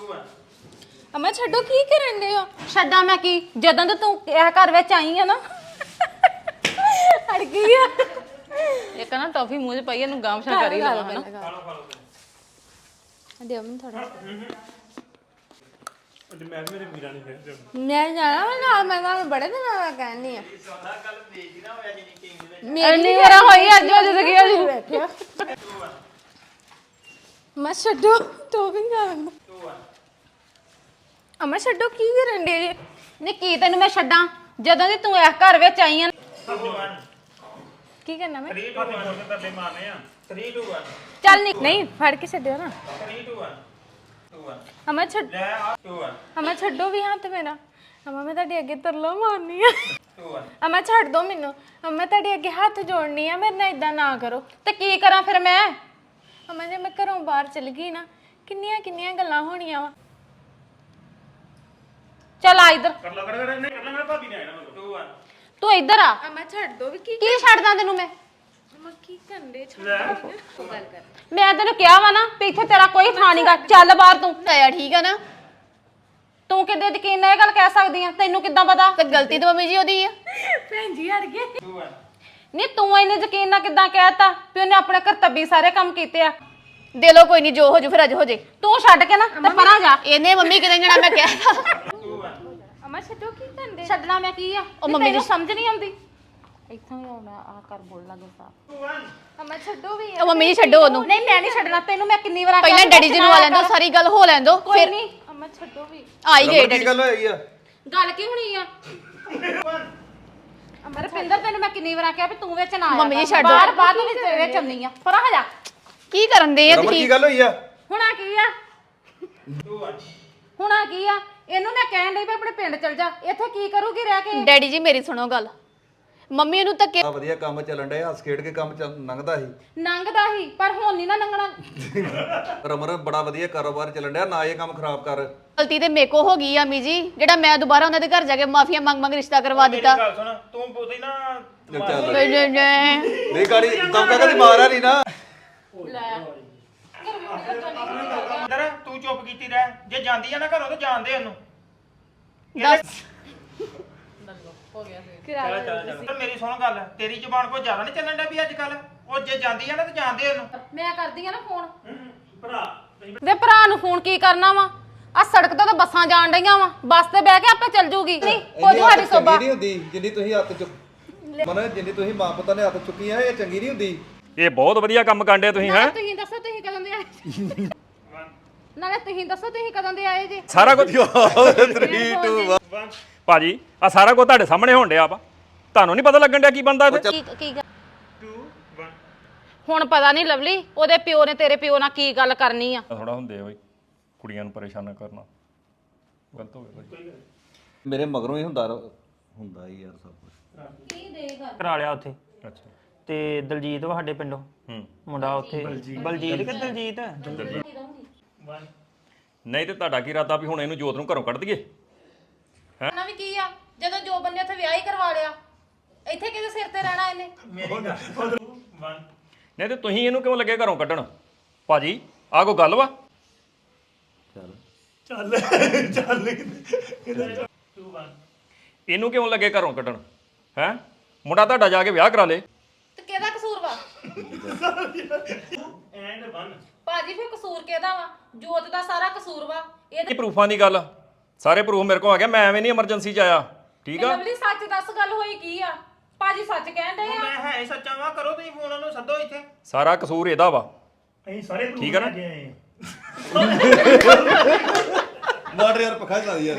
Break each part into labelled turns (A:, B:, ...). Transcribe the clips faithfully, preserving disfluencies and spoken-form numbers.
A: ਅਮਾ ਛੱਡੋ ਕੀ ਕਰਨ ਦੇ ਹੋ ਛੱਡਾਂ ਮੈਂ ਕੀ ਜਦੋਂ ਤੋਂ ਤੂੰ ਇਹ ਘਰ ਵਿੱਚ ਆਈ ਆ ਨਾ ਅੜ ਗਈ ਆ ਇਹ ਕਹਿੰਦਾ ਟੌਫੀ ਮੂੰਹ 'ਚ ਪਈ ਇਹਨੂੰ ਗਾਮਸ਼ਾ ਕਰੀ ਲਵਾ ਹਨਾ ਦਿਓ ਮੈਨੂੰ ਥੋੜਾ
B: ਅੱਜ ਮੈਂ ਮੇਰੇ ਵੀਰਾਂ ਨੇ ਫਿਰ
A: ਮੈਂ ਜਾਣਾ ਮੈਂ ਨਾਲ ਮੈਂ ਨਾਲ ਬੜੇ ਦਿਨਾਂ ਦਾ ਕਹਿੰਦੀ ਆ
B: ਸਾਰਾ ਗੱਲ ਵੇਚਦੀ ਨਾ ਹੋਇਆ ਜਿੰਨੀ ਟੀਮ ਦੇ
A: ਮੇਰੀ ਵਾਰ ਹੋਈ ਅੱਜ ਅੱਜ ਤੱਕ ਇਹ ਬੈਠਿਆ ਮੈਂ ਛੱਡੋ ਟੌਫੀ ਖਾਣ ਅਮਾ ਛੱਡੋ ਕੀ ਕਰਨ ਦੇ ਨੇ ਕੀ ਤੈਨੂੰ ਮੈਂ ਛੱਡਾਂ ਜਦੋਂ ਦੀ ਤੂੰ ਇਸ ਘਰ ਵਿੱਚ ਆਈ ਆ ਕੀ ਕਰਨਾ ਮੈਂ
B: three two one ਤੇ ਤਰਲੇ ਮਾਰਨੇ ਆ three two one
A: ਚੱਲ ਨਹੀਂ ਨਹੀਂ ਫੜ ਕੇ ਛੱਡਿਓ ਨਾ
B: three two one two one
A: ਅਮਾ ਛੱਡ
B: ਲੈ ਆ two one
A: ਅਮਾ ਛੱਡੋ ਵੀ ਹੱਥ ਮੇਰਾ ਅਮਾ ਮੈਂ ਤੁਹਾਡੇ ਅੱਗੇ ਤਰਲਾ ਮਾਰਨੀ ਆ
B: two one
A: ਅਮਾ ਛੱਡ ਦੋ ਮੈਨੂੰ ਅਮਾ ਤੁਹਾਡੇ ਅੱਗੇ ਹੱਥ ਜੋੜਨੀ ਆ ਮੇਰੇ ਨਾਲ ਇਦਾਂ ਨਾ ਕਰੋ ਤੇ ਕੀ ਕਰਾਂ ਫਿਰ ਮੈਂ ਅਮਾ ਜੇ ਮੈਂ ਘਰੋਂ ਬਾਹਰ ਚਲ ਗਈ ਨਾ ਕਿੰਨੀਆਂ ਕਿੰਨੀਆਂ ਗੱਲਾਂ ਹੋਣੀਆਂ ਵਾ ਚੱਲ ਆ ਇੱਧਰ
B: ਕਰ ਲਾ ਕਰ ਕਰ ਨਹੀਂ ਕਰ ਲਾ ਮੇਰਾ ਭਾਬੀ ਨੇ ਆਣਾ ਮਤਲਬ two one
A: ਤੂੰ ਇੱਧਰ ਆ
C: ਅਮਾ ਛੱਡ ਦੋ ਵੀ ਕੀ
A: ਕੀ ਛੱਡਦਾ ਤੈਨੂੰ ਮੈਂ
C: ਅਮਾ ਕੀ ਕਰਦੇ ਛੱਡ
B: ਲੈ
C: ਦੋ ਗੱਲ ਕਰ
A: ਮੈਂ ਤੈਨੂੰ ਕਿਹਾ ਵਾ ਨਾ ਵੀ ਇੱਥੇ ਤੇਰਾ ਕੋਈ ਥਾਂ ਨਹੀਂਗਾ ਚੱਲ ਬਾਹਰ ਤੂੰ ਆਇਆ ਠੀਕ ਆ ਨਾ ਤੂੰ ਕਿੱਦੇ ਯਕੀਨ ਨਾਲ ਇਹ ਗੱਲ ਕਹਿ ਸਕਦੀ ਆ ਤੈਨੂੰ ਕਿੱਦਾਂ ਪਤਾ ਤੇ ਗਲਤੀ ਤਾਂ ਮੰਮੀ ਜੀ ਉਹਦੀ ਆ
C: ਭੈਣ ਜੀ ਹਟ ਗਏ
B: two one
A: ਨਹੀਂ ਤੂੰ ਇਹਨੇ ਯਕੀਨ ਨਾਲ ਕਿੱਦਾਂ ਕਹਿਤਾ ਵੀ ਉਹਨੇ ਆਪਣੇ ਕਰਤੱਬੀ ਸਾਰੇ ਕੰਮ ਕੀਤੇ ਆ
D: ਦੇ ਲੋ ਕੋਈ ਨਹੀਂ ਜੋ ਹੋ ਜੂ ਫਿਰ ਅੱਜ ਹੋ ਜੇ
A: ਤੂੰ ਛੱਡ ਕੇ ਨਾ ਤੇ ਪਰਾਂ ਜਾ
D: ਇਹਨੇ ਮੰਮੀ ਕਿਤੇ ਜਣਾ ਮੈਂ ਕਿਹਾ
B: two one
C: ਅਮਾ ਛੱਡੋ ਕੀ ਕਰਦੇ
A: ਛੱਡਣਾ ਮੈਂ ਕੀ ਆ ਉਹ
D: ਮੰਮੀ
A: ਮੰਮੀ
D: ਜੀ-
A: ਸਮਝ ਨਹੀਂ ਆਉਂਦੀ ਇੱਥੋਂ ਹੀ ਆਉਣਾ ਆ ਕਰ ਬੋਲਣਾ ਗੁੱਸਾ
B: two one
C: ਅਮਾ ਛੱਡੋ ਵੀ
D: ਉਹ ਮੰਮੀ ਜੀ ਛੱਡੋ ਉਹਨੂੰ
A: ਨਹੀਂ ਮੈਂ ਨਹੀਂ ਛੱਡਣਾ ਤੈਨੂੰ ਮੈਂ ਕਿੰਨੀ ਵਾਰ
D: ਪਹਿਲਾਂ ਡੈਡੀ ਜੀ ਨੂੰ ਆ ਲੈਂਦੋ ਸਾਰੀ ਗੱਲ ਹੋ ਲੈਂਦੋ
A: ਕੋਈ
D: ਫਿਰ
A: ਨਹੀਂ
C: ਅਮਾ ਛੱਡੋ ਵੀ
D: ਆ ਹੀ ਗਏ
E: ਕੀ
D: ਡੈਡੀ
E: ਗੱਲ ਹੋਈ ਆ
A: ਗੱਲ ਕੀ ਹੋਣੀ ਆ ਅਮਰ ਪਿੰਦਰ ਤੈਨੂੰ ਮੈਂ ਕਿੰਨੀ ਵਾਰ ਕਿਹਾ ਵੀ ਤੂੰ ਵਿੱਚ ਨਾ ਆਇਆ
D: ਮੰਮੀ ਜੀ
A: ਕਰ।
D: ਛੱਡ
A: ਬਾਹਰ
D: ਦਿਓ।
A: ਬਾਅਦ ਵਿੱਚ ਵਿੱਚ ਆਉਂਦੀ ਆ ਪਰਾਂ ਹੋ ਜਾ
D: ਕੀ ਕਰਨ ਦੇ ਆ
E: ਰਮਨ
D: ਤੁਸੀਂ
E: ਕੀ ਗੱਲ ਹੋਈ ਆ
A: ਹੁਣ ਆ ਕੀ ਆ
B: two one
A: ਹੁਣ ਆ ਕੀ ਆ ਇਹਨੂੰ ਮੈਂ ਕਹਿਣ ਲਈ ਵੀ ਆਪਣੇ ਪਿੰਡ ਚਲ ਜਾ ਇੱਥੇ ਕੀ ਕਰੂਗੀ ਰਹਿ ਕੇ
D: ਡੈਡੀ ਜੀ ਮੇਰੀ ਸੁਣੋ ਗੱਲ ਮੰਮੀ ਉਹਨੂੰ ਧੱਕੇ
E: ਆ ਵਧੀਆ ਕੰਮ ਚੱਲਣ ਡਿਆ ਹੱਸ ਖੇਡ ਕੇ ਕੰਮ ਚੱਲ ਲੰਘਦਾ ਸੀ
A: ਨੰਗਦਾ ਹੀ ਪਰ ਹੁਣ ਨਹੀਂ ਨਾ ਨੰਗਣਾ
E: ਰਮਨ ਬੜਾ ਵਧੀਆ ਕਾਰੋਬਾਰ ਚੱਲਣ ਡਿਆ ਨਾ ਇਹ ਕੰਮ ਖਰਾਬ ਕਰ
D: ਗਲਤੀ ਤੇ ਮੇਕੋ ਹੋ ਗਈ ਆ ਮੀ ਜੀ ਜਿਹੜਾ ਮੈਂ ਦੁਬਾਰਾ ਉਹਨਾਂ ਦੇ ਘਰ ਜਾ ਕੇ ਮਾਫੀਆ ਮੰਗ ਮੰਗ ਰਿਸ਼ਤਾ ਕਰਵਾ ਦਿੱਤਾ
B: ਗੱਲ ਸੁਣ ਤੂੰ ਬੋਲਦੀ ਨਾ
E: ਚੱਲ
D: ਨਹੀਂ, ਨਹੀਂ, ਨਹੀਂ।
E: ਨਹੀਂ ਗਾੜੀ ਦਮਕਾ ਕਦੀ ਮਾਰਿਆ ਨਹੀਂ ਨਾ
B: ਅੰਦਰ ਤੂੰ ਚੁੱਪ ਕੀਤੀ ਰਹਿ ਜੇ ਜਾਂਦੀ ਆ ਨਾ ਘਰੋਂ ਤੇ ਜਾਣਦੇ ਉਹਨੂੰ
D: ਦੱਸ
B: ਚੱਲ ਚੱਲ ਚੱਲ ਮੇਰੀ ਸੁਣ ਗੱਲ ਤੇਰੀ ਜ਼ੁਬਾਨ ਕੋਈ ਜ਼ਿਆਦਾ ਨਹੀਂ ਚੱਲਣ ਡਿਆ ਵੀ ਅੱਜ ਕੱਲ ਉਹ ਜੇ ਜਾਂਦੀ ਆ ਨਾ ਤੇ ਜਾਣਦੇ ਉਹਨੂੰ
A: ਮੈਂ ਕਰਦੀ ਆ ਨਾ ਫੋਨ
B: ਭਰਾ
A: ਵੇ ਭਰਾ ਨੂੰ ਫੋਨ ਕੀ ਕਰਨਾ ਵਾ ਆ ਸੜਕ ਤੇ ਤਾਂ ਬੱਸਾਂ ਜਾਣ ਡਈਆਂ ਵਾ ਬੱਸ ਤੇ ਬਹਿ ਕੇ ਆਪੇ ਚੱਲ ਜੂਗੀ ਨਹੀਂ ਕੋਈ ਤੁਹਾਡੀ ਸੋਭਾ
E: ਨਹੀਂ ਹੁੰਦੀ ਜਿੰਨੀ ਤੁਸੀਂ ਹੱਥ ਚੁੱਕ ਮਨ ਜਿੰਨੀ ਤੁਸੀਂ ਮਾਂ ਪੁੱਤਾਂ ਨੇ ਹੱਥ ਚੁੱਕੀਆਂ ਇਹ ਚੰਗੀ ਨਹੀਂ ਹੁੰਦੀ
F: ਇਹ ਬਹੁਤ ਵਧੀਆ ਕੰਮ ਕਾਂਡੇ ਤੁਸੀਂ ਹੈ
A: ਤੁਸੀਂ ਦੱਸੋ ਤੁਸੀਂ ਕਦੋਂ ਦੇ ਆਏ ਨਾਲੇ ਤੁਸੀਂ ਦੱਸੋ ਤੁਸੀਂ ਕਦੋਂ ਦੇ ਆਏ ਜੀ
F: ਸਾਰਾ ਕੁਝ
E: three two one
F: ਭਾਜੀ ਆ ਸਾਰਾ ਕੁਝ ਤੁਹਾਡੇ ਸਾਹਮਣੇ ਹੋਣ ਡਿਆ ਵਾ ਤੁਹਾਨੂੰ ਨਹੀਂ ਪਤਾ ਲੱਗਣ ਡਿਆ ਕੀ ਬੰਦਾ ਇੱਥੇ
A: ਕੀ ਕੀ ਗੱਲ?
B: two one
A: ਹੁਣ ਪਤਾ ਨਹੀਂ ਲਵਲੀ ਉਹਦੇ ਪਿਓ ਨੇ ਤੇਰੇ ਪਿਓ ਨਾਲ ਕੀ ਗੱਲ ਕਰਨੀ ਆ
F: ਥੋੜਾ ਹੁੰਦੇ ਓਏ ਕੁੜੀਆਂ ਨੂੰ ਪਰੇਸ਼ਾਨ ਕਰਨਾ ਗਲਤ ਹੋ ਗਿਆ ਭਾਜੀ
E: ਮੇਰੇ ਮਗਰੋਂ ਹੀ ਹੁੰਦਾ ਰ- ਹੁੰਦਾ ਹੀ ਯਾਰ ਸਭ ਕੁਝ
B: ਕਰਾ ਲਿਆ ਉੱਥੇ
F: ਅੱਛਾ
B: ਤੇ ਦਲਜੀਤ ਵਾ ਸਾਡੇ ਪਿੰਡੋਂ
F: ਹੂੰ
B: ਮੁੰਡਾ ਉੱਥੇ ਬਲਜੀਤ ਕਿ ਦਲਜੀਤ
F: ਨਹੀਂ ਤੇ ਤੁਹਾਡਾ ਕੀ ਇਰਾਦਾ ਵੀ ਹੁਣ ਇਹਨੂੰ ਜੋਤ ਨੂੰ ਘਰੋਂ ਕੱਢ ਦਈਏ
A: ਨਾ ਵੀ ਕੀ ਆ ਜਦੋਂ ਜੋ ਬੰਦੇ ਉੱਥੇ ਵਿਆਹ ਹੀ ਕਰਵਾ ਲਿਆ ਇੱਥੇ ਕਿਹਦੇ ਸਿਰ ਤੇ ਰਹਿਣਾ ਇਹਨੇ
F: ਨਹੀਂ ਤੇ ਤੁਸੀਂ ਇਹਨੂੰ ਕਿਉਂ ਲੱਗੇ ਘਰੋਂ ਕੱਢਣ ਭਾਜੀ ਆ ਕੋਈ ਗੱਲ ਵਾ
E: ਚੱਲ
F: ਇਹਨੂੰ ਕਿਉਂ ਲੱਗੇ ਘਰੋਂ ਕੱਢਣ ਹੈ ਮੁੰਡਾ ਤੁਹਾਡਾ ਜਾ ਕੇ ਵਿਆਹ ਕਰਾ ਲੇ
A: ਤੇ ਕਿਹਦਾ ਕਸੂਰ ਵਾ
B: ਐਂਡ one
A: ਭਾਜੀ ਫਿਰ ਕਸੂਰ ਕਿਹਦਾ ਵਾ ਜੋਤ ਦਾ ਸਾਰਾ ਕਸੂਰ ਵਾ ਇਹ
F: ਇਹ ਪ੍ਰੂਫਾਂ ਦੀ ਗੱਲ ਆ। ਸਾਰੇ ਪ੍ਰੂਫ ਮੇਰੇ ਕੋਲ ਆ ਗਿਆ ਮੈਂ ਐਵੇਂ ਨਹੀਂ ਐਮਰਜੈਂਸੀ ਚ ਆਇਆ ਠੀਕ ਆ
A: ਲਵਲੀ ਸੱਚ ਦੱਸ ਗੱਲ ਹੋਈ ਕੀ ਆ ਭਾਜੀ ਸੱਚ ਕਹਿਣ ਡਏ ਆ
B: ਮੈਂ ਹੈ ਹੀ ਸੱਚਾ ਵਾ ਕਰੋ ਤੁਸੀਂ ਫੋਨ ਉਹਨੂੰ ਸੱਦੋ ਇੱਥੇ
F: ਸਾਰਾ ਕਸੂਰ ਇਹਦਾ ਵਾ
B: ਅਸੀਂ ਸਾਰੇ
F: ਠੀਕ ਆ ਨਾ
E: ਮਾਰ ਯਾਰ ਪੱਖਾ ਚਲਾ ਦੀ ਯਾਰ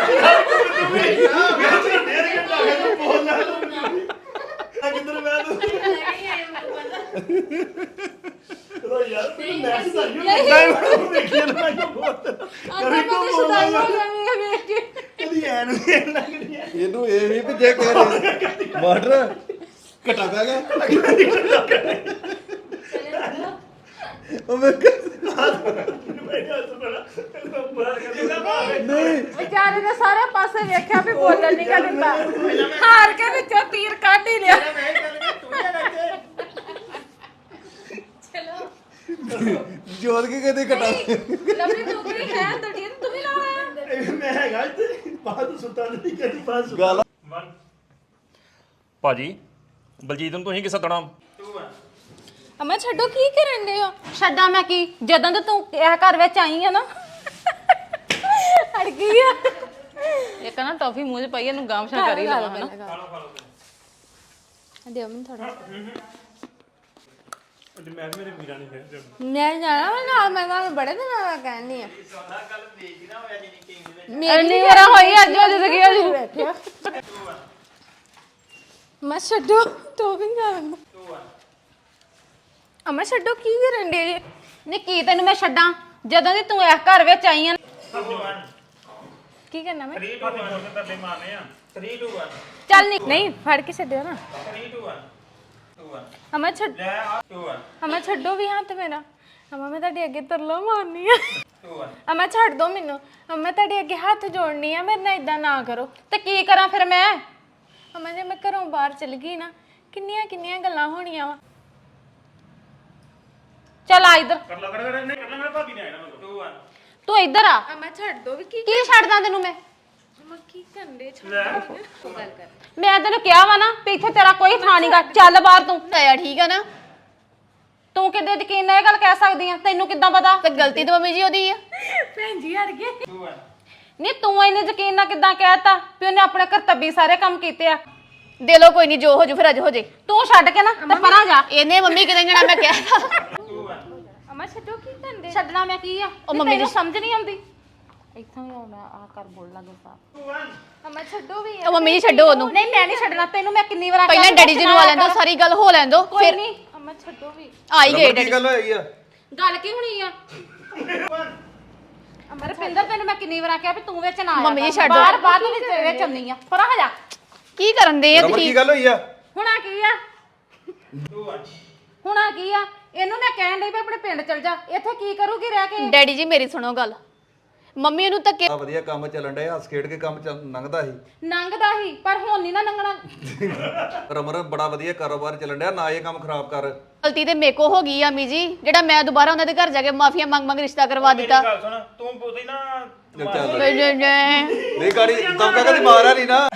B: ਕਿੱਧਰ ਮੈਂ ਤੂੰ
E: ਇਹਨੂੰ ਇਹ ਵੀ ਵੀ ਜੇ ਕਹਿ ਰਹੇ ਮਾਟਰ ਘਟਾ ਪੈ ਗਿਆ ਉਹ ਮੈਂ ਨਹੀਂ
A: ਵਿਚਾਰੇ ਨੇ ਸਾਰੇ ਪਾਸੇ ਵੇਖਿਆ ਵੀ ਬੋਲਣ ਨਹੀਂ ਗਾ ਦਿੰਦਾ ਹਾਰ ਕੇ ਵਿੱਚੋਂ ਤੀਰ ਕੱਢ ਹੀ ਲਿਆ ਚਲੋ
E: ਜੋਤ ਕੇ ਕਦੇ ਘਟਾ
A: ਲਵਲੀ ਤੂੰ ਵੀ ਹੈ ਦਲਜੀਤ
G: ਮੈਂ ਹੈਗਾ ਇੱਥੇ ਬਾਹਰ ਸੁੱਤਾ ਨਹੀਂ ਕਦੀ ਬਾਹਰ ਸੁੱਤਾ
E: ਗੱਲ
F: ਭਾਜੀ ਬਲਜੀਤ ਨੂੰ ਤੁਸੀਂ ਕੀ ਸੱਦਣਾ
A: ਅਮਾ ਛੱਡੋ ਕੀ ਕਰਨ ਦੇ ਹੋ ਛੱਡਾਂ ਮੈਂ ਕੀ ਜਦੋਂ ਤੋਂ ਤੂੰ ਇਹ ਘਰ ਵਿੱਚ ਆਈ ਆ ਨਾ ਅੜ ਗਈ ਆ
D: ਇੱਕ ਨਾ ਟੌਫੀ ਮੂੰਹ 'ਚ ਪਾਈ ਇਹਨੂੰ ਗਾਮਸ਼ਾ ਕਰ ਹੀ ਲਵਾਂ ਹਨਾ
C: ਦਿਓ ਮੈਨੂੰ ਥੋੜਾ
G: ਤੇ ਮੈਂ ਮੇਰੇ ਵੀਰਾਂ ਨੇ ਫਿਰ
C: ਮੈਂ ਜਾਣਾ ਵਾ ਨਾਲ ਮੈਂ ਤੁਹਾਨੂੰ ਬੜੇ ਦਿਨਾਂ ਦਾ ਕਹਿੰਦੀ ਆ
A: ਇੰਨੀ ਵਾਰ ਹੋਈ ਅੱਜ ਅੱਜ ਤੱਕ ਅੱਜ
C: ਬੈਠਿਆ ਮੈਂ ਛੱਡੋ ਤੋ ਵੀ ਨਾ ਅਮਾ ਛੱਡੋ ਕੀ ਕਰਨ ਦੇ
A: ਨੀ ਕੀ ਤੈਨੂੰ ਮੈਂ ਛੱਡਾਂ ਜਦੋਂ ਦੀ ਤੂੰ ਇਸ ਘਰ ਵਿੱਚ ਆਈ ਆ
C: ਕੀ ਕਰਨਾ ਮੈਂ
B: three two one ਤਰਲੇ ਮਾਰਨੇ ਆ three two one
A: ਚੱਲ ਨੀ
C: ਨਹੀਂ ਫੜ ਕੇ ਛੱਡਿਓ ਨਾ
B: three two one two one
C: ਅਮਾ ਛੱਡ
B: ਲੈ ਆ two one
C: ਅਮਾ ਛੱਡੋ ਵੀ ਹੱਥ ਮੇਰਾ ਅਮਾ ਮੈਂ ਤੁਹਾਡੇ ਅੱਗੇ ਤਰਲਾ ਮਾਰਨੀ ਆ
B: two one
C: ਅਮਾ ਛੱਡ ਦੋ ਮੈਨੂੰ ਅਮਾ ਮੈਂ ਤੁਹਾਡੇ ਅੱਗੇ ਹੱਥ ਜੋੜਨੀ ਆ ਮੇਰੇ ਨਾਲ ਇਦਾਂ ਨਾ ਕਰੋ
A: ਤੇ ਕੀ ਕਰਾਂ ਫਿਰ ਮੈਂ
C: ਅਮਾ ਜੇ ਮੈਂ ਘਰੋਂ ਬਾਹਰ ਚਲ ਗਈ ਨਾ ਕਿੰਨੀਆਂ ਕਿੰਨੀਆਂ ਗੱਲਾਂ ਹੋਣੀਆਂ ਵਾ
A: ਚੱਲ ਆ ਇੱਧਰ
G: ਕਰ ਲਾ ਕਰ ਕਰ ਨਹੀਂ ਕਰ ਲਾ ਮੇਰਾ ਭਾਬੀ ਨੇ ਆਣਾ ਮਗਰ
B: two one
A: ਤੂੰ ਇੱਧਰ ਆ
C: ਅਮਾ ਛੱਡ ਦੋ ਵੀ ਕੀ
A: ਕੀ ਛੱਡਦਾ ਤੈਨੂੰ ਮੈਂ
C: ਅਮਾ ਕੀ ਕਰਦੇ ਛੱਡ ਦੋ ਗੱਲ ਕਰ
A: ਮੈਂ ਤੈਨੂੰ ਕਿਹਾ ਵਾ ਨਾ ਵੀ ਇੱਥੇ ਤੇਰਾ ਕੋਈ ਥਾਂ ਨਹੀਂਗਾ ਚੱਲ ਬਾਹਰ ਤੂੰ
D: ਆਇਆ ਠੀਕ ਆ ਨਾ
A: ਤੂੰ ਕਿੱਦੇ ਯਕੀਨ ਨਾਲ ਇਹ ਗੱਲ ਕਹਿ ਸਕਦੀ ਆ ਤੈਨੂੰ ਕਿੱਦਾਂ ਪਤਾ
D: ਤੇ ਗਲਤੀ ਤਾਂ ਮੰਮੀ ਜੀ ਉਹਦੀ ਆ
C: ਭੈਣ ਜੀ ਹਟ ਗਏ
B: two one
A: ਨਹੀਂ ਤੂੰ ਇੰਨੇ ਯਕੀਨ ਨਾਲ ਕਿੱਦਾਂ ਕਹਿਤਾ ਵੀ ਉਹਨੇ ਆਪਣੇ ਕਰਤੱਬੀ ਸਾਰੇ ਕੰਮ ਕੀਤੇ ਆ
D: ਦੇ ਲੋ ਕੋਈ ਨਹੀਂ ਜੋ ਹੋ ਜੂ ਫਿਰ ਅੱਜ ਹੋ ਜੇ
A: ਤੂੰ ਛੱਡ ਕੇ ਨਾ ਤੇ ਪਰਾਂ ਜਾ
D: ਇਹਨੇ ਮੰਮੀ ਕਿਤੇ ਜਣਾ ਮੈਂ ਕਿਹਾ
B: two one
C: ਅਮਾ ਛੱਡੋ ਕੀ ਕਰਦੇ
A: ਛੱਡਣਾ ਮੈਂ ਕੀ ਆ
D: ਉਹ ਮੰਮੀ
A: ਤੈਨੂੰ
D: ਜੀ-
A: ਸਮਝ ਨਹੀਂ ਆਉਂਦੀ ਇੱਥੋਂ ਹੀ ਆਉਣਾ ਆ ਕਰ ਬੋਲ ਲਾ ਗੁੱਸਾ
B: two one
C: ਅਮਾ ਛੱਡੋ ਵੀ
D: ਉਹ ਮੰਮੀ ਜੀ ਛੱਡੋ ਉਹਨੂੰ
A: ਨਹੀਂ ਮੈਂ ਨਹੀਂ ਛੱਡਣਾ ਤੈਨੂੰ ਮੈਂ ਕਿੰਨੀ ਵਾਰ
D: ਪਹਿਲਾਂ ਡੈਡੀ ਜੀ ਨੂੰ ਆ ਲੈਂਦੋ ਸਾਰੀ ਗੱਲ ਹੋ ਲੈਂਦੋ
A: ਕੋਈ
D: ਫਿਰ
A: ਨਹੀਂ
C: ਅਮਾ ਛੱਡੋ ਵੀ
D: ਆ ਹੀ ਗਏ
E: ਕੀ
D: ਡੈਡੀ
E: ਗੱਲ ਹੋਈ ਆ
A: ਗੱਲ ਕੀ ਹੋਣੀ ਆ ਅਮਰ ਪਿੰਦਰ ਤੈਨੂੰ ਮੈਂ ਕਿੰਨੀ ਵਾਰ ਆਖਿਆ ਵੀ ਤੂੰ ਵਿੱਚ ਨਾ ਆਇਆ
D: ਮੰਮੀ ਜੀ
A: ਕਰ।
D: ਛੱਡ
A: ਬਾਹਰ
D: ਦਿਓ।
A: ਬਾਹਰ ਤੂੰ ਵਿੱਚ ਵਿੱਚ ਆਉਂਦੀ ਆ ਪਰਾਂ ਹੋ ਜਾ
D: ਕੀ ਕਰਨ ਦੇ ਆ
E: ਰਮਨ ਕੀ
D: ਤੁਸੀਂ
E: ਗੱਲ ਹੋਈ ਆ
A: ਹੁਣ ਆ ਕੀ ਆ
B: two one
A: ਹੁਣ ਆ ਕੀ ਆ ਇਹਨੂੰ ਮੈਂ ਕਹਿਣ ਲਈ ਵੀ ਆਪਣੇ ਪਿੰਡ ਚਲ ਜਾ ਇੱਥੇ ਕੀ ਕਰੂਗੀ ਰਹਿ ਕੇ
D: ਡੈਡੀ ਜੀ ਮੇਰੀ ਸੁਣੋ ਗੱਲ ਮੰਮੀ ਉਹਨੂੰ ਧੱਕੇ
E: ਆ ਵਧੀਆ ਕੰਮ ਚੱਲਣ ਡਿਆ ਹੱਸ ਖੇਡ ਕੇ ਕੰਮ ਚੱਲ ਲੰਘਦਾ ਸੀ
A: ਨੰਗਦਾ ਹੀ ਪਰ ਹੁਣ ਨਹੀਂ ਨਾ ਨੰਗਣਾ
E: ਰਮਨ ਬੜਾ ਵਧੀਆ ਕਾਰੋਬਾਰ ਚੱਲਣ ਡਿਆ ਨਾ ਇਹ ਕੰਮ ਖਰਾਬ ਕਰ
D: ਗਲਤੀ ਤੇ ਮੇਕੋ ਹੋ ਗਈ ਆ ਮੀ ਜੀ ਜਿਹੜਾ ਮੈਂ ਦੁਬਾਰਾ ਉਹਨਾਂ ਦੇ ਘਰ ਜਾ ਕੇ ਮਾਫੀਆ ਮੰਗ ਮੰਗ ਰਿਸ਼ਤਾ ਕਰਵਾ ਦਿੱਤਾ
B: ਗੱਲ ਸੁਣ ਤੂੰ ਬੋਲੀ ਨਾ
E: ਚੱਲ
D: ਨਹੀਂ, ਨਹੀਂ, ਨਹੀਂ।
E: ਨਹੀਂ ਗਾੜੀ ਦਮਕਾ ਕਦੀ ਮਾਰਿਆ ਨਹੀਂ ਨਾ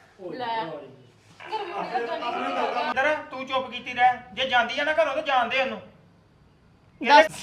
B: ਅੰਦਰ ਤੂੰ ਚੁੱਪ ਕੀਤੀ ਰਹਿ ਜੇ ਜਾਂਦੀ ਆ ਨਾ ਘਰੋਂ ਤਾਂ ਜਾਣਦੇ ਉਹਨੂੰ
D: ਦੱਸ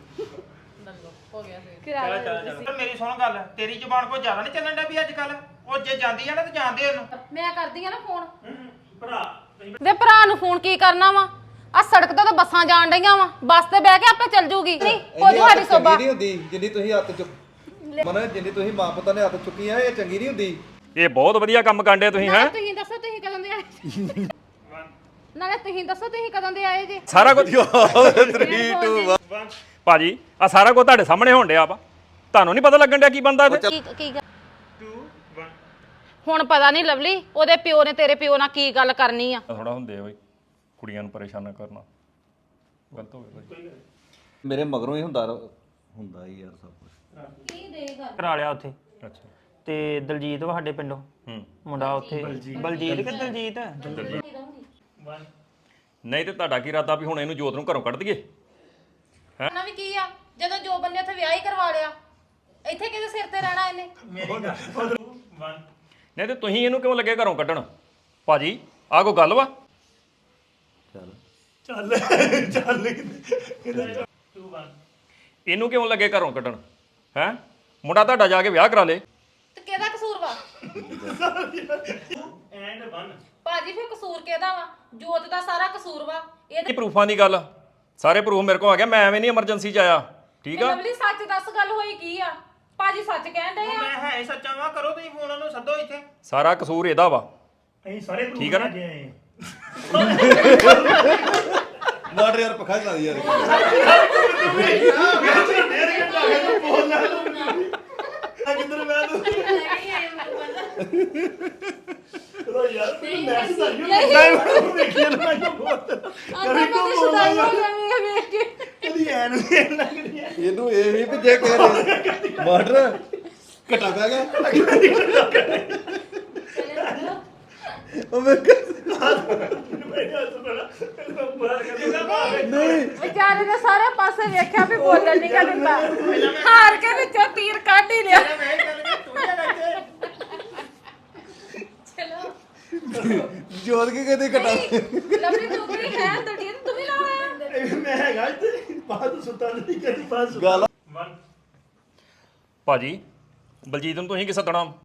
B: ਚੱਲ ਚੱਲ ਚੱਲ ਮੇਰੀ ਸੁਣ ਗੱਲ ਤੇਰੀ ਜ਼ੁਬਾਨ ਕੋਈ ਜ਼ਿਆਦਾ ਨਹੀਂ ਚੱਲਣ ਡਿਆ ਵੀ ਅੱਜ ਕੱਲ ਉਹ ਜੇ ਜਾਂਦੀ ਆ ਨਾ ਤਾਂ ਜਾਣਦੇ ਉਹਨੂੰ
A: ਮੈਂ ਕਰਦੀ ਆ ਨਾ ਫੋਨ
G: ਭਰਾ
A: ਵੇ ਭਰਾ ਨੂੰ ਫੋਨ ਕੀ ਕਰਨਾ ਵਾ ਆ ਸੜਕ ਤੇ ਤਾਂ ਬੱਸਾਂ ਜਾਣ ਡਈਆਂ ਵਾ ਬੱਸ ਤੇ ਬਹਿ ਕੇ ਆਪੇ ਚੱਲ ਜੂਗੀ ਨਹੀਂ ਕੋਈ ਤੁਹਾਡੀ ਸੋਭਾ
E: ਨਹੀਂ ਹੁੰਦੀ ਜਿੰਨੀ ਤੁਸੀਂ ਹੱਥ ਚੁੱਕ ਮਨ ਜਿੰਨੀ ਤੁਸੀਂ ਮਾਂ ਪੁੱਤਾਂ ਨੇ ਹੱਥ ਚੁੱਕੀਆਂ ਇਹ ਚੰਗੀ ਨਹੀਂ ਹੁੰਦੀ
F: ਇਹ ਬਹੁਤ ਵਧੀਆ ਕੰਮ ਕਾਂਡੇ ਤੁਸੀਂ ਹੈ
A: ਤੁਸੀਂ ਦੱਸੋ ਤੁਸੀਂ ਕਦੋਂ ਦੇ ਆਏ ਨਾਲੇ ਤੁਸੀਂ ਦੱਸੋ ਤੁਸੀਂ ਕਦੋਂ ਦੇ ਆਏ ਜੀ
F: ਸਾਰਾ ਕੁਝ
E: three two one
F: ਭਾਜੀ ਆ ਸਾਰਾ ਕੁਝ ਤੁਹਾਡੇ ਸਾਹਮਣੇ ਹੋਣ ਡਿਆ ਵਾ ਤੁਹਾਨੂੰ ਨਹੀਂ ਪਤਾ ਲੱਗਣ ਡਿਆ ਕੀ ਬੰਦਾ ਇਹਦੇ
A: ਕੀ ਕੀ ਗੱਲ?
B: two one
A: ਹੁਣ ਪਤਾ ਨਹੀਂ ਲਵਲੀ ਉਹਦੇ ਪਿਓ ਨੇ ਤੇਰੇ ਪਿਓ ਨਾਲ ਕੀ ਗੱਲ ਕਰਨੀ ਆ
F: ਥੋੜਾ ਹੁੰਦੇ ਆ ਬਈ ਕੁੜੀਆਂ ਨੂੰ ਪਰੇਸ਼ਾਨ ਨਾ ਕਰਨਾ ਗਲਤ ਹੋ ਗਿਆ ਭਾਜੀ
E: ਮੇਰੇ ਮਗਰੋਂ ਹੀ ਹੁੰਦਾ ਰ- ਹੁੰਦਾ ਹੀ ਯਾਰ ਸਭ ਕੁਝ
B: ਕਰਾ ਲਿਆ ਉੱਥੇ
F: ਅੱਛਾ
B: ਤੇ ਦਲਜੀਤ ਵਾ ਸਾਡੇ ਪਿੰਡੋਂ
F: ਹੂੰ
B: ਮੁੰਡਾ ਉੱਥੇ ਬਲਜੀਤ ਕਿ ਦਲਜੀਤ
F: ਨਹੀਂ ਤੇ ਤੁਹਾਡਾ ਕੀ ਇਰਾਦਾ ਵੀ ਹੁਣ ਇਹਨੂੰ ਜੋਤ ਨੂੰ ਘਰੋਂ ਕੱਢ ਦਈਏ
A: ਨਾ ਵੀ ਕੀ ਆ ਜਦੋਂ ਜੋ ਬੰਦੇ ਉੱਥੇ ਵਿਆਹ ਹੀ ਕਰਵਾ ਲਿਆ ਇੱਥੇ ਕਿਹਦੇ ਸਿਰ ਤੇ ਰਹਿਣਾ ਇਹਨੇ
B: ਮੇਰੀ ਗੱਲ one
F: ਨਹੀਂ ਤੇ ਤੁਸੀਂ ਇਹਨੂੰ ਕਿਉਂ ਲੱਗੇ ਘਰੋਂ ਕੱਢਣ ਭਾਜੀ ਆਹ ਕੋਈ ਗੱਲ ਵਾ
E: ਚੱਲ
G: ਚੱਲ ਚੱਲ ਕਿਤੇ
B: two one
F: ਇਹਨੂੰ ਕਿਉਂ ਲੱਗੇ ਘਰੋਂ ਕੱਢਣ ਹੈ ਮੁੰਡਾ ਤੁਹਾਡਾ ਜਾ ਕੇ ਵਿਆਹ ਕਰਾ ਲੇ
A: ਤੇ ਕਿਹਦਾ ਕਸੂਰ ਵਾ
B: and one
A: ਭਾਜੀ ਫਿਰ ਕਸੂਰ ਕਿਹਦਾ ਵਾ ਜੋਤ ਦਾ ਸਾਰਾ ਕਸੂਰ ਵਾ ਇਹ
F: ਇਹ ਪ੍ਰੂਫਾਂ ਦੀ ਗੱਲ ਆ। ਸਾਰੇ ਪ੍ਰੂਫ ਮੇਰੇ ਕੋਲ ਆ ਗਿਆ ਮੈਂ ਐਵੇਂ ਨਹੀਂ ਐਮਰਜੈਂਸੀ ਚ ਆਇਆ ਠੀਕ ਆ
A: ਲਵਲੀ ਸੱਚ ਦੱਸ ਗੱਲ ਹੋਈ ਕੀ ਆ ਭਾਜੀ ਸੱਚ ਕਹਿਣ ਡਏ ਆ
B: ਮੈਂ ਹੈ ਹੀ ਸੱਚਾ ਵਾ ਕਰੋ ਤੁਸੀਂ ਫੋਨ ਉਹਨੂੰ ਸੱਦੋ ਇੱਥੇ
F: ਸਾਰਾ ਕਸੂਰ ਇਹਦਾ ਵਾ
G: ਅਸੀਂ ਸਾਰੇ proof
F: ਠੀਕ ਆ ਨਾ?
G: ਲੈ ਕੇ ਆਏ
E: ਮਾਰ ਯਾਰ ਪੱਖਾ ਚਲਾ ਦੀ ਯਾਰ
G: ਕਿੱਧਰ ਮੈਂ ਤੂੰ ਚਲੋ ਯਾਰ ਤੂੰ ਮੈਸੇਜ ਆਇਆ ਨਹੀਂ ਵੇਖੀ ਨਾ ਮੈਂ ਬਹੁਤ ਕਰੀ ਕੋ ਬੋਲਦਾ ਕਦੀ ਐ ਨੂੰ ਐਨ ਲੱਗਦੀ ਐ
E: ਇਹਨੂੰ ਇਹ ਵੀ ਵੀ ਜੇ ਕੇ ਮਾਰ ਘਟਾ ਪੈ ਗਿਆ ਉਹ ਮੈਂ ਨਹੀਂ
A: ਵਿਚਾਰੇ ਨੇ ਸਾਰੇ ਪਾਸੇ ਵੇਖਿਆ ਵੀ ਬੋਲਣ ਨਹੀਂ ਗਾ ਦਿੰਦਾ ਹਾਰ ਕੇ ਵਿੱਚੋਂ ਤੀਰ ਕੱਢ ਹੀ ਲਿਆ
B: ਮੈਂ ਇਹ ਗੱਲ ਕਿ ਤੂੰ ਇਹ ਗੱਲ
E: ਜੋਤ ਕੇ ਕਦੇ ਘਟਾ
A: ਲਵਲੀ ਤੂੰ ਵੀ ਹੈ ਤੜੀ ਤੂੰ ਵੀ ਨਾਲ ਆਇਆ
G: ਇਹ ਮੈਂ ਹੈਗਾ ਇੱਥੇ ਬਾਹਰ ਸੁੱਤਾ ਨਹੀਂ ਕਦੀ ਬਾਹਰ ਸੁੱਤਾ
E: ਗੱਲ
F: ਭਾਜੀ ਬਲਜੀਤ ਨੂੰ ਤੁਸੀਂ ਕੀ ਸੱਦਣਾ